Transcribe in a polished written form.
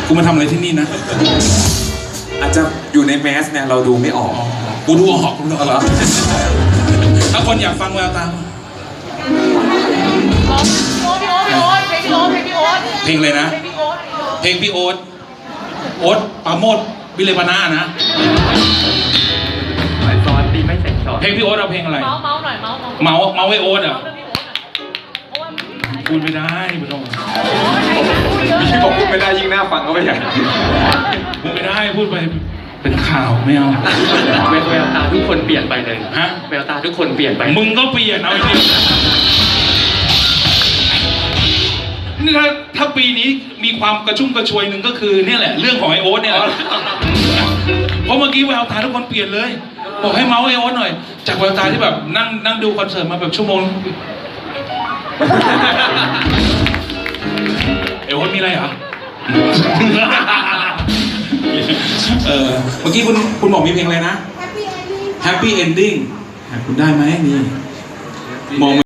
กูมาทำอะไรที่นี่นะอาจจะอยู่ในแมสเนี่ยเราดูไม่ออกกูดูออกกูดูออกเหรอถ้าคนอยากฟังแววตาเพลงอะไรนะเพลงพี่โอ๊ตปราโมทวิเลปนานะซอนตีไม่เสร็จซอนเพลงพี่โอ๊ตเอาเพลงอะไรเมาหน่อยเมาไว้โอ๊ตอ่ะพูดไม่ได้ไม่ต้องพี่บอกพูดไม่ได้ยิ่งน่าฟังก็ไม่อยากพูดไม่ได้พูดไปเป็นข่าวไม่เอาแววตาทุกคนเปลี่ยนไปเลยฮะแววตาทุกคนเปลี่ยนไปมึงก็เปลี่ยนเอาจริงนี่ถ้าปีนี้มีความกระชุ่มกระชวยหนึ่งก็คือเนี่ยแหละเรื่องของไอโอ๊ตเนี่ยเพราะเมื่อกี้แววตาทุกคนเปลี่ยนเลยบอกให้เมาส์ไอโอ๊ตหน่อยจากแววตาที่แบบนั่งดูคอนเสิร์ตมาแบบชั่วโมงไอโอ๊ตมีอะไรเหรอเมื่อกี้คุณบอกมีเพลงอะไรนะ Happy Ending คุณได้ไหมนี่มอง